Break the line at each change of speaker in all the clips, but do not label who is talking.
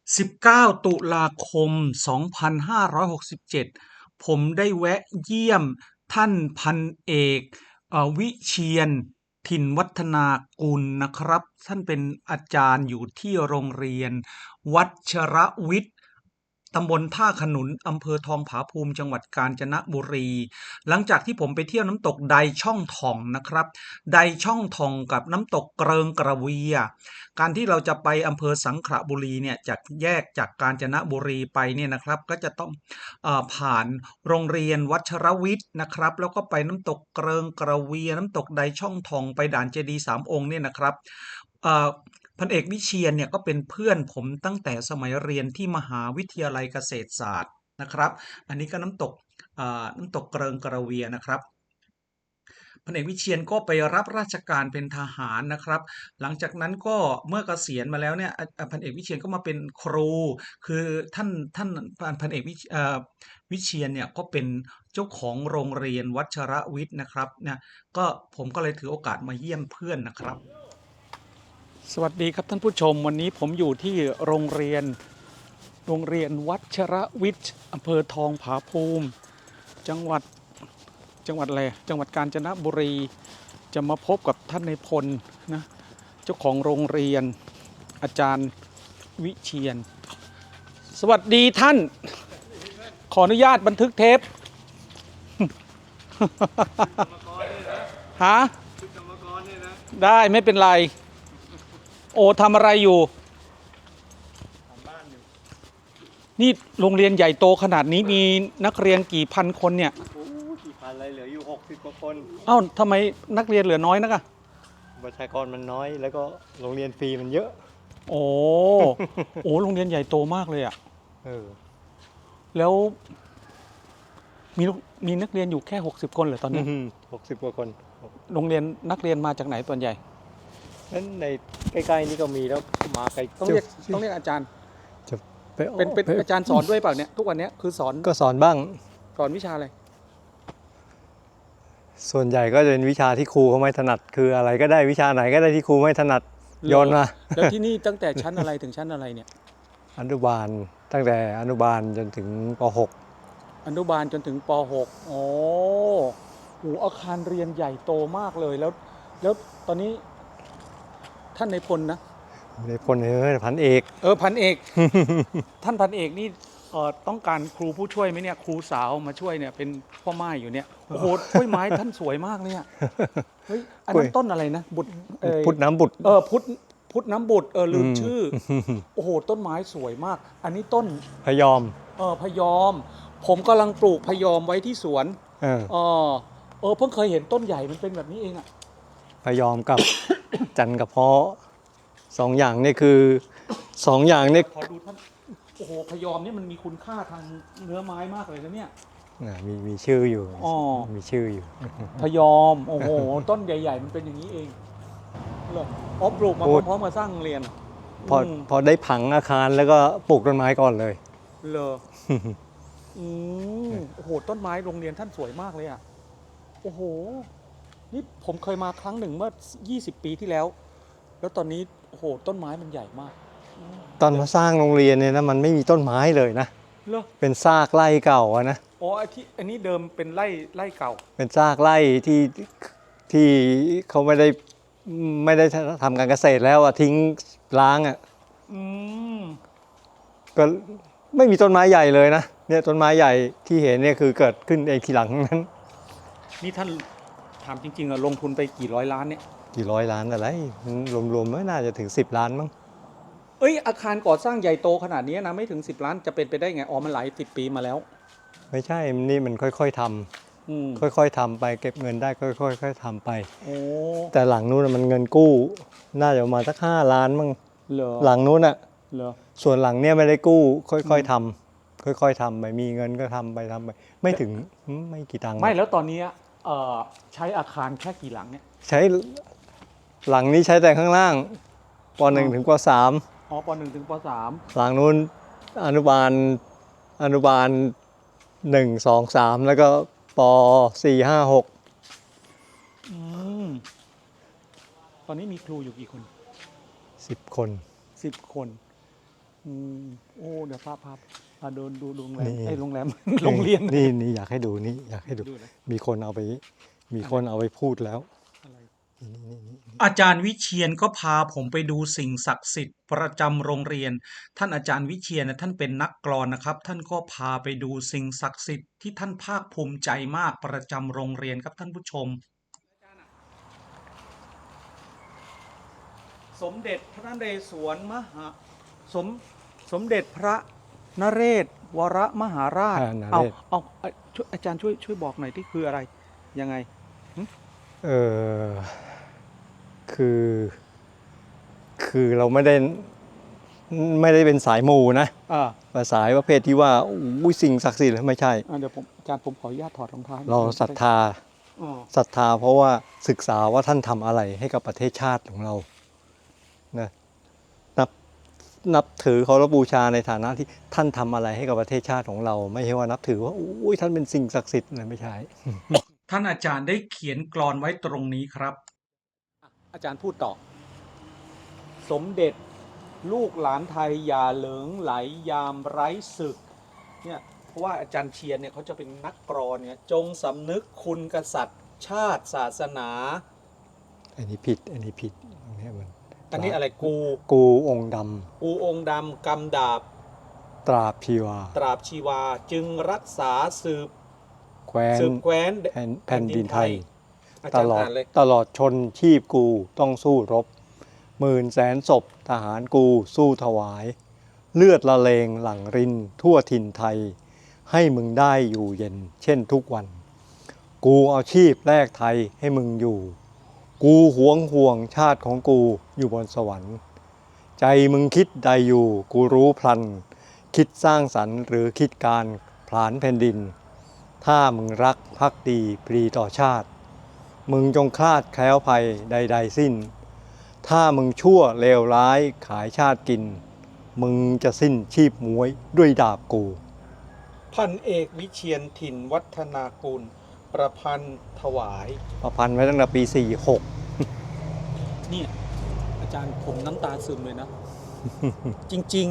19ตุลาคม2567ผมได้แวะเยี่ยมท่านพันเอกวิเชียรถิ่นวัฒนากุลนะครับท่านเป็นอาจารย์อยู่ที่โรงเรียนวัชรวิทย์ตำบลท่าขนุนอำเภอทองผาภูมิจังหวัดกาญจนบุรีหลังจากที่ผมไปเที่ยวน้ำตกไดช่องถ่องนะครับไดช่องถ่องกับน้ำตกเกริงกระเวีย การที่เราจะไปอำเภอสังขละบุรีเนี่ยจากแยกจากกาญจนบุรีไปเนี่ยนะครับก็จะต้องผ่านโรงเรียนวัชรวิทย์นะครับแล้วก็ไปน้ำตกเกริงกระเวียน้ำตกใดช่องทองไปด่านเจดีย์สามองค์เนี่ยนะครับเอ่อพันเอกวิเชียรเนี่ยก็เป็นเพื่อนผมตั้งแต่สมัยเรียนที่มหาวิทยาลัยเกษตรศาสตร์นะครับอันนี้ก็น้ำตกเกริงกระเวียนะครับพันเอกวิเชียรก็ไปรับราชการเป็นทหารนะครับหลังจากนั้นก็เมื่อเกษียณมาแล้วเนี่ยพันเอกวิเชียรก็มาเป็นครูคือท่านพันเอกวิเชียรเนี่ยก็เป็นเจ้าของโรงเรียนวัชรวิทย์นะครับเนี่ยก็ผมก็เลยถือโอกาสมาเยี่ยมเพื่อนนะครับสวัสดีครับท่านผู้ชมวันนี้ผมอยู่ที่โรงเรียนวัชรวิทย์อำเภอทองผาภูมิจังหวัดอะไรจังหวัดกาญจนบุรีจะมาพบกับท่านนายพลนะเจ้าของโรงเรียนอาจารย์วิเชียรสวัสดีท่านขออนุญาตบันทึกเทปฮะได้ไม่เป็นไรโอ้ทำอะไรอยู่นี่โรงเรียนใหญ่โตขนาดนี้มีนักเรียนกี่พันคนเนี่ย
กี่พันเลยเหลืออยู่60 กว่าคน
เอ้าทำไมนักเรียนเหลือน้อยนักอะ
ประชากรมันน้อยแล้วก็โรงเรียนฟรีมันเยอะ
โอ้โอ้โรงเรียนใหญ่โตมากเลยอะแล้วมีมีนักเรียนอยู่แค่60คนเหรอตอนนี้
60 กว่าคน
โรงเรียนนักเรียนมาจากไหนส่วนใหญ่
นั้นในใกล้ๆนี่ก็มีแล้วมาไกล
ต้องเรียกอาจารย์เป็นอาจารย์สอนด้วยเปล่าเนี่ยทุกวันนี้คือสอน
ก็สอนบ้าง
สอนวิชาอะไร
ส่วนใหญ่ก็จะเป็นวิชาที่ครูเขาไม่ถนัดคืออะไรก็ได้วิชาไหนก็ได้ที่ครูไม่ถนัดโยนมา
แล้วที่นี่ตั้งแต่ชั้นอะไรถึงชั้นอะไรเนี่ย
อนุบาลตั้งแต่อนุบาลจนถึงป .6
อนุบาลจนถึงป .6 โอ้โหอาคารเรียนใหญ่โตมากเลยแล้วตอนนี้ท่านนายพลนะ
ในพลพันเอก
พันเอก ท่านพันเอกนี่ต้องการครูผู้ช่วยไหมเนี่ยครูสาวมาช่วยเนี่ยเป็นพ่อไม้อยู่เนี่ยโอ้โหกล้วยไม้ท่านสวยมากเลยอ่ะเฮ้ยอันนั้นต้นอะไรนะ
พุทธน้ำบุตร
พุทธน้ำบุตรลืมชื่อโอ้โหต้นไม้สวยมากอันนี้ต้น
พยอม
พยอมผมกำลังปลูกพยอมไว้ที่สวนเพิ่งเคยเห็นต้นใหญ่มันเป็นแบบนี้เองอ่ะ
พยอมกับ จันกระเพาะ2 อย่างนี่คือ2 อย่างนี่
ขอดูท่านโอ้โหพยอมนี่มันมีคุณค่าทางเนื้อไม้มากเลยนะเนี่ย
มีชื่ออยู่มีชื่ออยู่
พยอมโอ้โหต้นใหญ่ๆมันเป็นอย่างนี้เองเหรอปลูกมาพร้อมๆกับสร้างโรงเรียน
พอได้ผังอาคารแล้วก็ปลูกต้นไม้ก่อนเลย
เหรอโอ้โหต้นไม้โรงเรียนท่านสวยมากเลยอ่ะโอ้โหนี่ผมเคยมาครั้งหนึ่งเมื่อ20 ปีที่แล้วแล้วตอนนี้โอ้โหต้นไม้มันใหญ่มาก
ตอนมาสร้างโรงเรียนเนี่ยนะมันไม่มีต้นไม้เลยนะเป็นซากไร่เก่านะ
อ๋ออันนี้เดิมเป็นไร่เก่า
เป็นซากไร่ที่เขาไม่ได้ทำการเกษตรแล้วอะทิ้งร้างอะก็ไม่มีต้นไม้ใหญ่เลยนะเนี่ยต้นไม้ใหญ่ที่เห็นเนี่ยคือเกิดขึ้นเองทีหลังนั้น
นี่ท่านถามจริงๆอะลงทุนไปกี่ร้อยล้านเนี่ย
กี่ร้อยล้านอะไรรวมๆไม่น่าจะถึง10 ล้านมั้ง
อาคารก่อสร้างใหญ่โตขนาดนี้นะไม่ถึง10 ล้านจะเป็นไปได้ไงมันหลาย10 ปีมาแล้ว
ไม่ใช่นี่มันค่อยๆทำค่อยๆทำไปเก็บเงินได้ค่อยๆทำไปแต่หลังนู้นมันเงินกู้น่าจะประมาณสัก5 ล้านมั้งหลังนู้นอ่ะส่วนหลังเนี้ยไม่ได้กู้ค่อยๆทำไปมีเงินก็ทำไปไม่ถึงไม่กี่ตังค์
ไม่แล้วตอนนี้ใช้อาคารแค่กี่หลังเนี่ย
ใช้หลังนี้ใช้แต่ข้างล่างป .1 ถึงป .3
ป .1 ถึงป .3
หลังนู้นอนุบาล1 2 3แล้วก็ป .4 5 6
ตอนนี้มีครูอยู่กี่คน
10 คน
10 คนโอ้เดี๋ยวพาเดินดูโรงแรม
นี่
โรงแรม โรงเรียน
นี่อยากให้ดูนี่อยากให้ดู
ดูนะ
มีคนเอาไปพูดแล้ว
อะไร
นี่
อาจารย์วิเชียนก็พาผมไปดูสิ่งศักดิ์สิทธิ์ประจำโรงเรียน ท่านอาจารย์วิเชียรนะท่านเป็นนักกลอนนะครับ ท่านก็พาไปดูสิ่งศักดิ์สิทธิ์ที่ท่านภาคภูมิใจมากประจำโรงเรียนครับท่านผู้ชม สมเด็จพระนเรศวรสมเด็จพระนเรศวรมหาราช
นเร
เอา
ศ
ช่วยอาจารย์ช่วยบอกหน่อยที่คืออะไรยังไง
คือเราไม่ได้เป็นสายมูนะ แต่สายประเภทที่ว่าอุ้ยสิ่งศักดิ์สิทธิ์ไม่ใช่
เดี๋ยวอาจารย์ผมขออนุญาตถอดรองเท้า
เราศรัทธาเพราะว่าศึกษาว่าท่านทำอะไรให้กับประเทศชาติของเรานะนับถือเคารพบูชาในฐานะที่ท่านทำอะไรให้กับประเทศชาติของเรา ไม่ใช่ว่านับถือว่าอุ้ยท่านเป็นสิ่งศักดิ์สิทธิ์อะไรไม่ใช่
ท่านอาจารย์ได้เขียนกลอนไว้ตรงนี้ครับ อาจารย์พูดต่อ สมเด็จลูกหลานไทยอย่าเหลิงไหลยามไร้ศึกเนี่ยเพราะว่าอาจารย์เชียนเนี่ยเขาจะเป็นนักกลอนเนี่ยจงสำนึกคุณกษัตริย์ชาติศาสนา
อันนี้ผิดอันนี้
อะไร
กูองค์ด
กูองค์ดำกำดาบ
ำตราบชีวา
ตราบชีวาจึงรักษาสืบ
แคว้
แคว้น
แผ่นดินไทย
อา
ต
จารย์
ลอด
อ่านเลย
ตลอดชนชีพกูต้องสู้รบ10,000,000 ศพทหารกูสู้ถวาย เลือดละเลงหลั่งรินทั่วถิ่นไทย ให้มึงได้อยู่เย็น เช่นทุกวัน กูเอาชีพแลกไทยให้มึงอยู่ กูห่วงชาติของกูอยู่บนสวรรค์ ใจมึงคิดใดอยู่กูรู้พลัน คิดสร้างสรรค์หรือคิดการผลาญแผ่นดิน ถ้ามึงรักภักดีปรีต่อชาติ มึงจงคลาดแคล้วภัยใดๆสิ้น ถ้ามึงชั่วเลวร้ายขายชาติกิน มึงจะสิ้นชีพม้วยด้วยดาบกู
พันเอกวิเชียรถิ่นวัฒนากุลประพันธ์ถวาย
ประพันธ์ไว้ตั้งแต่ปี
เนี่ยอาจารย์ผมน้ำตาซึมเลยนะ จริง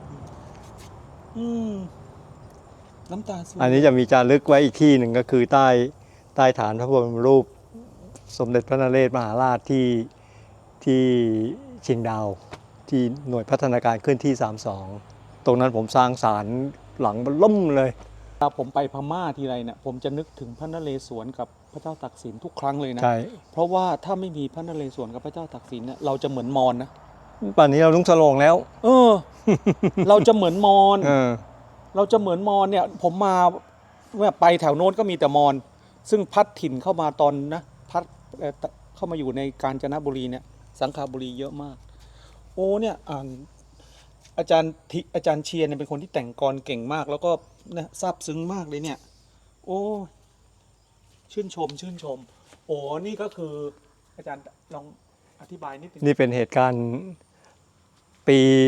ๆน้ำตาซึม
46 อันนี้จะมีจารึกไว้อีกที่หนึ่งก็คือใต้ฐานพระบรมรูป สมเด็จพระนเรศมหาราชที่เชียงดาว ที่หน่วยพัฒนาการเคลื่อนที่ 32 ตรงนั้นผมสร้างศาลหลังล่มเลย
เวลาผมไปพม่าทีไรเนี่ยผมจะนึกถึงพระนเรศวรกับพระเจ้าตากสินทุกครั้งเลยนะ
ใช่
เพราะว่าถ้าไม่มีพระนเรศวรกับพระเจ้าตากสินเนี่ยเราจะเหมือนมอญนะ
ป่านนี้เราลุงสโลงแล้ว
เราจะเหมือนมอญ
เออ
เราจะเหมือนมอญเนี่ยผมมาไปแถวโน้นก็มีแต่มอญซึ่งพัดถิ่นเข้ามาตอนนะพัดเข้ามาอยู่ในกาญจนบุรีเนี่ยสังขบุรีเยอะมาก โอ้เนี่ยอ่านอาจารย์เชียร์เนี่ยเป็นคนที่แต่งกลเก่งมาก แล้วก็เนี่ยซาบซึ้งมากเลยเนี่ย โอ้ชื่นชม โอ้นี่ก็คืออาจารย์ลองอธิบายนิดนึง
นี่เป็นเหตุการณ์ปี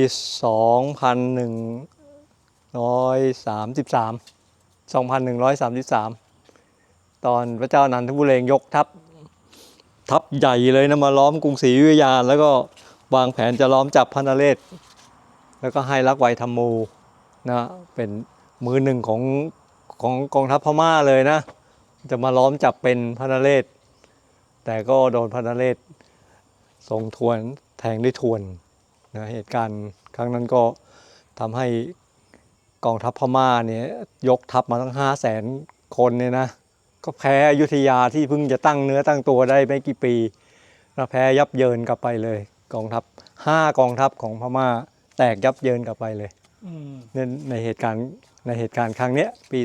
2133 ตอนพระเจ้านันทบุเรงยกทัพใหญ่เลยนะมาล้อมกรุงศรีอยุธยาแล้วก็วางแผนจะล้อมจับพระนเรศแล้วก็ให้ลักไวธรรมูนะเป็นมือหนึ่งของกองทัพพม่าเลยนะจะมาล้อมจับเป็นพระนเรศแต่ก็โดนพระนเรศทรงทวนแทงด้วยทวนนะเหตุการณ์ครั้งนั้นก็ทำให้กองทัพพม่าเนี่ยยกทัพมาตั้ง500,000 คนเนี่ยนะก็แพ้อยุธยาที่เพิ่งจะตั้งเนื้อตั้งตัวได้ไม่กี่ปีแล้วแพ้ยับเยินกลับไปเลยกองทัพ5 กองทัพของพม่าแตกยับเยินกลับไปเลยในเหตุการณ์ครั้งเนี้ยปี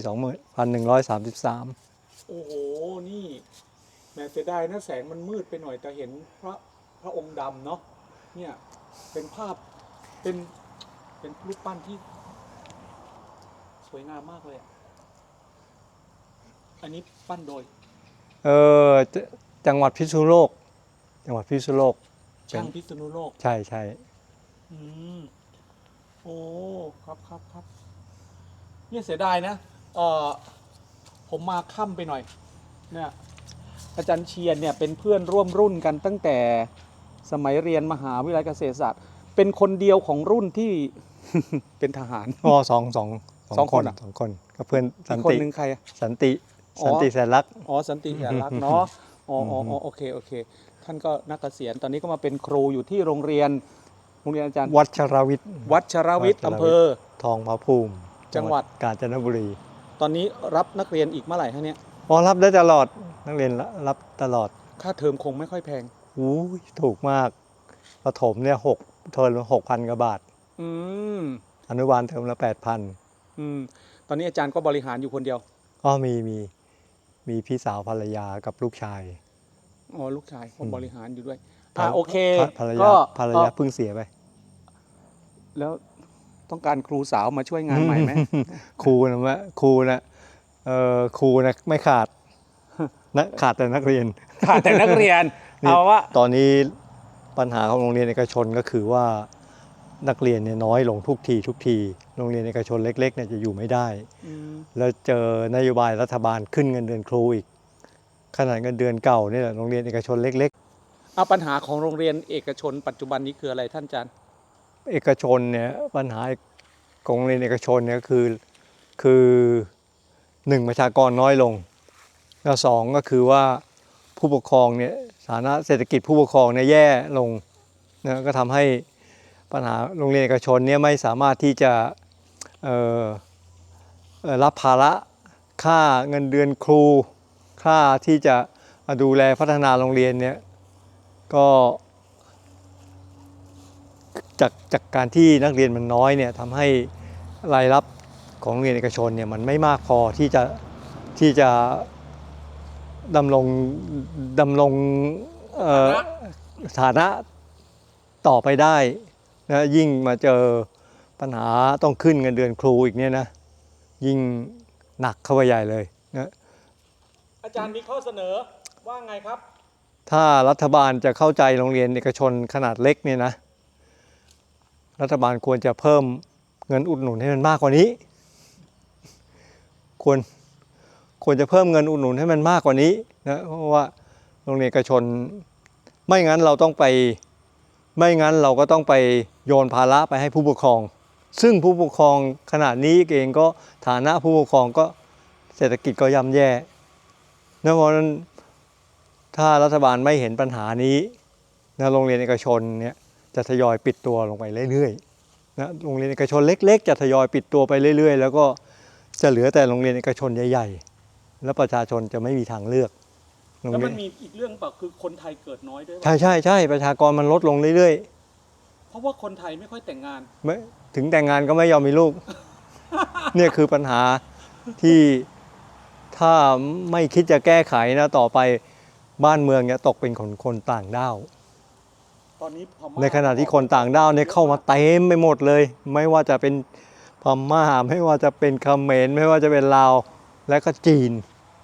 2133
โอ้โหนี่แม้เสียดายนะแสงมันมืดไปหน่อยแต่เห็นพระองค์ดำเนาะเนี่ยเป็นภาพเป็นรูปปั้นที่สวยงามมากเลยอันนี้ปั้นโดย
จังหวัดพิษณุโลก
ช่างพิษณุโลก
ใช่
โอ้ครับเนี่ยเสียดายนะผมมาค่ำไปหน่อยเนี่ยอาจารย์เชียนเนี่ยเป็นเพื่อนร่วมรุ่นกันตั้งแต่สมัยเรียนมหาวิทยาลัยเกษตรศาสตร์เป็นคนเดียวของรุ่นที่เป็นทหาร
อ๋อสอง
สองคนอะ
สองคนกับเพื่อนสัน
อีกคน
ติ
หนึ่งใครอะ
สันติ
อ๋อ
สันติแสนรัก
อ๋อสันติแสนรักเนาะอ๋อโอเคโอเค ท่านก็นักเกษียณตอนนี้ก็มาเป็นครูอยู่ที่โรงเรียนอาจารย์
วัชรวิทย์
วัชรวิทย์อำเภอ
ทองผาภูมิ
จังหวัด
กาญจนบุรี
ตอนนี้รับนักเรียนอีกเมื่อไหร่ฮะเนี่ย
อ๋อรับได้ตลอดนักเรียนรับตลอด
ค่าเทอมคงไม่ค่อยแพง
อู้ยถูกมากประถมเนี่ยเทอมละ6,000 กว่าบาท
อืม
อนุบาลเทอมละ 8,000
อืมตอนนี้อาจารย์ก็บริหารอยู่คนเดียว
อ๋อมีพี่สาวภรรยากับลูกชาย
อ๋อลูกชายผมบริหารอยู่ด้วย
ภร
โอเค
ภรร
ก็
ยาภรรยาเพิ่งเสียไป
แล้วต้องการครูสาวมาช่วยงานใหม่ไหม
ครูนะครูนะไม่ขาดนะขาดแต่นักเรียน
ขาดแต่นักเรียน
นี่
เอาว่า
ตอนนี้ปัญหาของโรงเรียนเอกชนก็คือว่านักเรียนเนี่ยน้อยลงทุกทีโรงเรียนเอกชนเล็กๆเนี่ยจะอยู่ไม่ได้ แล้วเจอนโยบายรัฐบาลขึ้นเงินเดือนครูอีกขนาดเงินเดือนเก่าเนี่ยโรงเรียนเอกชนเล็ก
เอาปัญหาของโรงเรียนเอกชนปัจจุบันนี้คืออะไรท่านอาจารย์
ๆเอกชนเนี่ยปัญหาของโรงเรียนเอกชนเนี่ยคือหนึ่งประชากรน้อยลงแล้วสองก็คือว่าผู้ปกครองเนี่ยฐานะเศรษฐกิจผู้ปกครองเนี่ยแย่ลงนะก็ทำให้ปัญหาโรงเรียนเอกชนเนี่ยไม่สามารถที่จะรับภาระค่าเงินเดือนครู ค่าที่จะดูแลพัฒนาโรงเรียนเนี่ยก็จากการที่นักเรียนมันน้อยเนี่ยทำให้รายรับของโรงเรียนเอกชนเนี่ยมันไม่มากพอที่จะดำรงฐานะต่อไปได้นะยิ่งมาเจอปัญหาต้องขึ้นเงินเดือนครูอีกเนี่ยนะยิ่งหนักเข้าไปใหญ่เลยนะ
อาจารย์มีข้อเสนอว่าไงครับ
ถ้ารัฐบาลจะเข้าใจโรงเรียนเอกชนขนาดเล็กเนี่ยนะรัฐบาลควรจะเพิ่มเงินอุดหนุนให้มันมากกว่านี้ควรจะเพิ่มเงินอุดหนุนให้มันมากกว่านี้นะเพราะว่าโรงเรียนเอกชนไม่งั้นเราก็ต้องไปโยนภาระไปให้ผู้ปกครองซึ่งผู้ปกครองขนาดนี้เองก็ฐานะผู้ปกครองก็เศรษฐกิจก็ย่ำแย่เพราะฉะนั้นถ้ารัฐบาลไม่เห็นปัญหานี้นะโรงเรียนเอกชนเนี่ยจะทยอยปิดตัวลงไปเรื่อยๆนะโรงเรียนเอกชนเล็กๆจะทยอยปิดตัวไปเรื่อยๆแล้วก็จะเหลือแต่โรงเรียนเอกชนใหญ่ๆแล้วประชาชนจะไม่มีทางเลือก
แล้วมันมีอีกเรื่องเปล่าคือคนไทยเกิดน้อยด้วย
ใช่ประชากรมันลดลงเรื่อย
เพราะว่าคนไทยไม่ค่อยแต่งงาน
ๆไม่ถึงแต่งงานก็ไม่ยอมมีลูก เนี่ยคือปัญหาที่ถ้าไม่คิดจะแก้ไขนะต่อไปบ้านเมืองเนี่ยตกเป็นคนต่างด้าว
ตอนนี้พม่า
ในขณะที่คนต่างด้าวเนี่ยเข้ามาเต็มไปหมดเลย ไม่ว่าจะเป็นพม่าไม่ว่าจะเป็นเขมรไม่ว่าจะเป็นลาวและก็จีน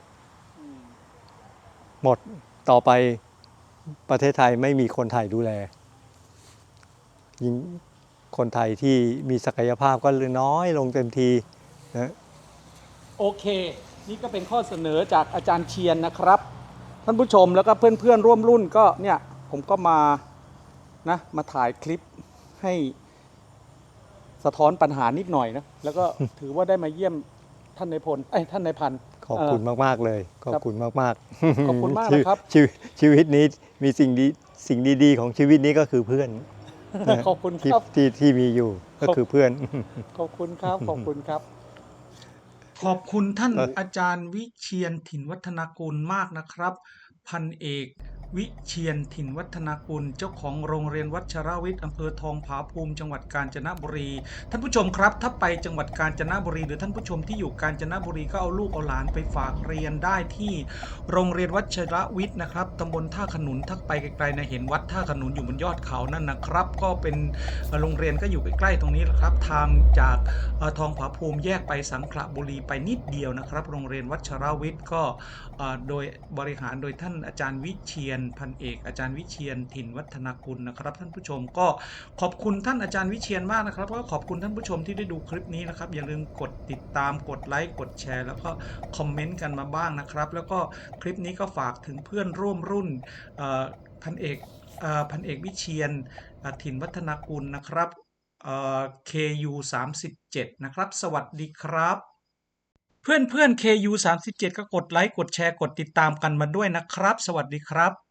หมดต่อไปประเทศไทยไม่มีคนไทยดูแลยิ่งคนไทยที่มีศักยภาพก็เลยน้อยลงเต็มทีนะ
โอเค นี่ก็เป็นข้อเสนอจากอาจารย์เชียนนะครับท่านผู้ชมแล้วก็เพื่อนๆร่วมรุ่นก็เนี่ยผมก็มาถ่ายคลิปให้สะท้อนปัญหานิดหน่อยนะแล้วก็ ถือว่าได้มาเยี่ยมท่านนายพลท่านนายพัน
ขอบคุณมากๆเลยขอบคุณมากๆ
ขอบคุณมากนะครับ
ชีวิตนี้มีสิ่งดีๆของชีวิตนี้ก็คือเพื่อน
ขอบคุณครับ
ที่มีอยู่ก็คือเพื่อน
ขอบคุณครับขอบคุณครับ
ขอบคุณท่านอาจารย์วิเชียรถิ่นวัฒนากุลมากนะครับ พันเอกวิเชียรถิ่นวัฒนากุลเจ้าของโรงเรียนวัชรวิทย์อำเภอทองผาภูมิจังหวัดกาญจนบุรีท่านผู้ชมครับถ้าไปจังหวัดกาญจนบุรีหรือท่านผู้ชมที่อยู่กาญจนบุรีก็เอาลูกเอาหลานไปฝากเรียนได้ที่โรงเรียนวัชรวิทย์นะครับตำบลท่าขนุนถ้าไปไกลๆนะเห็นวัดท่าขนุนอยู่บนยอดเขานั่นนะครับ ก็เป็นโรงเรียนก็อยู่ใกล้ๆตรงนี้แหละครับทางจากทองผาภูมิแยกไปสังขละบุรีไปนิดเดียวนะครับโรงเรียนวัชรวิทย์ก็โดยบริหารโดยท่านอาจารย์วิเชียรพันเอกอาจารย์วิเชียรถิ่นวัฒนากุลนะครับท่านผู้ชมก็ขอบคุณท่านอาจารย์วิเชียรมากนะครับก็ขอบคุณท่านผู้ชมที่ได้ดูคลิปนี้นะครับอย่าลืมกดติดตามกดไลค์กดแชร์แล้วก็คอมเมนต์กันมาบ้างนะครับแล้วก็คลิปนี้ก็ฝากถึงเพื่อนร่วมรุ่นพันเอกวิเชียรถิ่นวัฒนากุลนะครับ KU 37นะครับ สวัสดีครับ เพื่อนๆ KU 37ก็กดไลค์กดแชร์กดติดตามกันมาด้วยนะครับ สวัสดีครับ